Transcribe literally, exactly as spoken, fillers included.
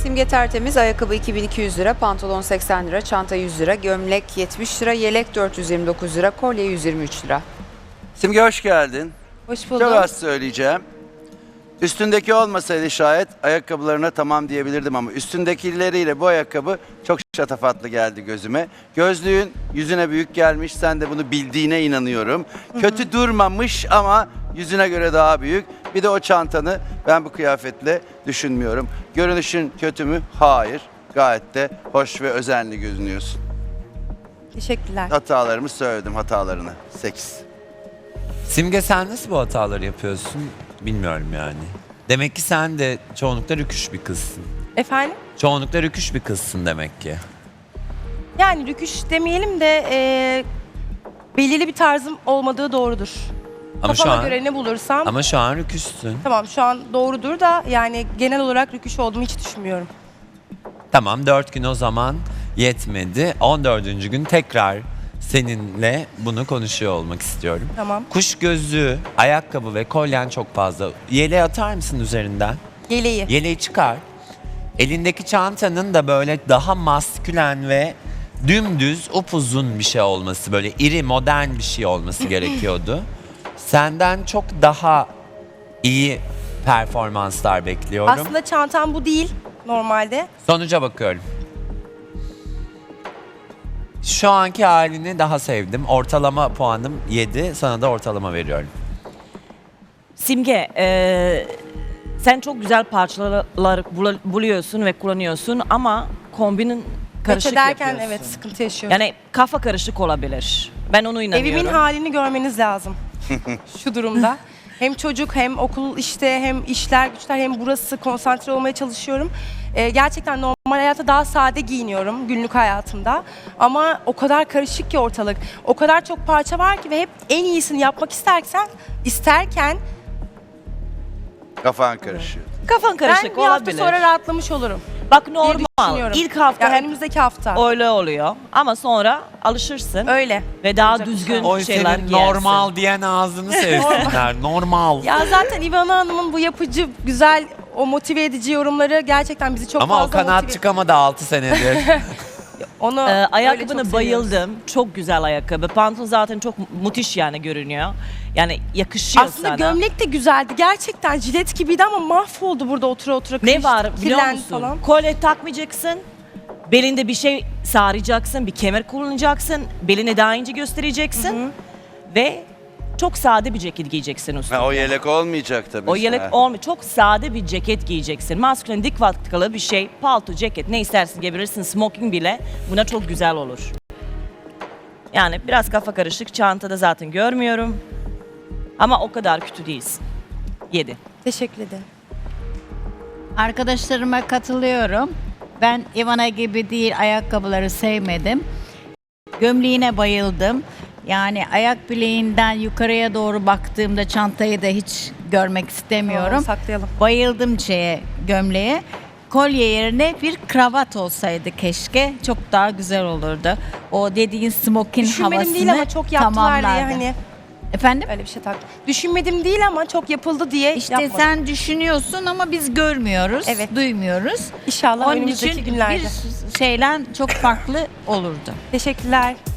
Simge tertemiz, ayakkabı iki bin iki yüz lira, pantolon seksen lira, çanta yüz lira, gömlek yetmiş lira, yelek dört yüz yirmi dokuz lira, kolye yüz yirmi üç lira. Simge hoş geldin. Hoş bulduk. Çok az söyleyeceğim. Üstündeki olmasaydı şayet ayakkabılarına tamam diyebilirdim ama üstündekileriyle bu ayakkabı çok şatafatlı geldi gözüme. Gözlüğün yüzüne büyük gelmiş, sen de bunu bildiğine inanıyorum. Hı hı. Kötü durmamış ama yüzüne göre daha büyük. Bir de o çantanı ben bu kıyafetle düşünmüyorum. Görünüşün kötü mü? Hayır. Gayet de hoş ve özenli görünüyorsun. Teşekkürler. Hatalarımı söyledim, hatalarını. sekiz. Simge, sen nasıl bu hataları yapıyorsun bilmiyorum yani. Demek ki sen de çoğunlukla rüküş bir kızsın. Efendim? Çoğunlukla rüküş bir kızsın demek ki. Yani rüküş demeyelim de e, belirli bir tarzım olmadığı doğrudur. Ama şu Kafama an göre ne bulursam. ama şu an rüküşsün. Tamam, şu an doğrudur da yani genel olarak rüküş olduğumu hiç düşünmüyorum. Tamam, dört gün o zaman yetmedi. on dördüncü gün tekrar seninle bunu konuşuyor olmak istiyorum. Tamam. Kuş gözlüğü, ayakkabı ve kolyen çok fazla. Yeleği atar mısın üzerinden? Yeleği. Yeleği çıkar. Elindeki çantanın da böyle daha maskülen ve dümdüz, upuzun bir şey olması, böyle iri, modern bir şey olması gerekiyordu. Senden çok daha iyi performanslar bekliyorum. Aslında çantam bu değil normalde. Sonuca bakıyorum. Şu anki halini daha sevdim. Ortalama puanım yedi. Sana da ortalama veriyorum. Simge, e, sen çok güzel parçalar bul- buluyorsun ve kullanıyorsun ama kombinin karışık Karışık derken yapıyorsun. evet sıkıntı yaşıyorum. Yani kafa karışık olabilir. Ben onu inanıyorum. Evimin halini görmeniz lazım şu durumda. Hem çocuk hem okul işte hem işler güçler hem burası konsantre olmaya çalışıyorum. Ee, gerçekten normal hayatta daha sade giyiniyorum günlük hayatımda. Ama o kadar karışık ki ortalık. O kadar çok parça var ki ve hep en iyisini yapmak istersen isterken Kafan karışıyor. Kafan karışık ben bir hafta olabilir. sonra rahatlamış olurum. Bak diye normal. düşünüyorum. İlk hafta Yani hep önümüzdeki hafta. öyle oluyor ama sonra alışırsın Öyle. ve daha Olacak düzgün inşallah. Oy şeyler senin giyersin. normal diyen ağzını sevsinler. Normal. Ya zaten İvana Hanım'ın bu yapıcı, güzel, o motive edici yorumları gerçekten bizi çok Ama o fazla kanat motive... çıkamadı altı senedir. Onu Ee, öyle çok ayakkabını seviyoruz. bayıldım. Çok güzel ayakkabı. Pantolon zaten çok müthiş yani görünüyor. Yani yakışıyor Aslında sana. gömlek de güzeldi. Gerçekten jilet gibiydi ama mahvoldu burada otura otura. Ne kırıştı, var biliyor kirlendi musun? Falan. Kolye takmayacaksın. Belinde bir şey saracaksın. Bir kemer kullanacaksın. Belini daha ince göstereceksin. Ve çok sade bir ceket giyeceksin üstüne. Ha, o yelek olmayacak tabii. O yelek Ha. olmuyor. Çok sade bir ceket giyeceksin. Maskülen dik vatkalı bir şey. Palto, ceket ne istersin giyebilirsin. Smoking bile buna çok güzel olur. Yani biraz kafa karışık. Çantada zaten görmüyorum. Ama o kadar kötü değilsin. Yedi. Teşekkür ederim. Arkadaşlarıma katılıyorum. Ben Ivana gibi değil, ayakkabıları sevmedim. Gömleğine bayıldım. Yani ayak bileğinden yukarıya doğru baktığımda çantayı da hiç görmek istemiyorum. Tamam, saklayalım. Bayıldım şeye, gömleğe. Kolye yerine bir kravat olsaydı keşke çok daha güzel olurdu. O dediğin smokin Düşünmedim havasını değil ama çok yaptılar diye tamamlardı. hani Efendim? öyle bir şey tak. Düşünmedim değil ama çok yapıldı diye İşte yapmadım. sen düşünüyorsun ama biz görmüyoruz, Evet. duymuyoruz. İnşallah Onun önümüzdeki için günlerde. bir şeyler çok farklı olurdu. Teşekkürler.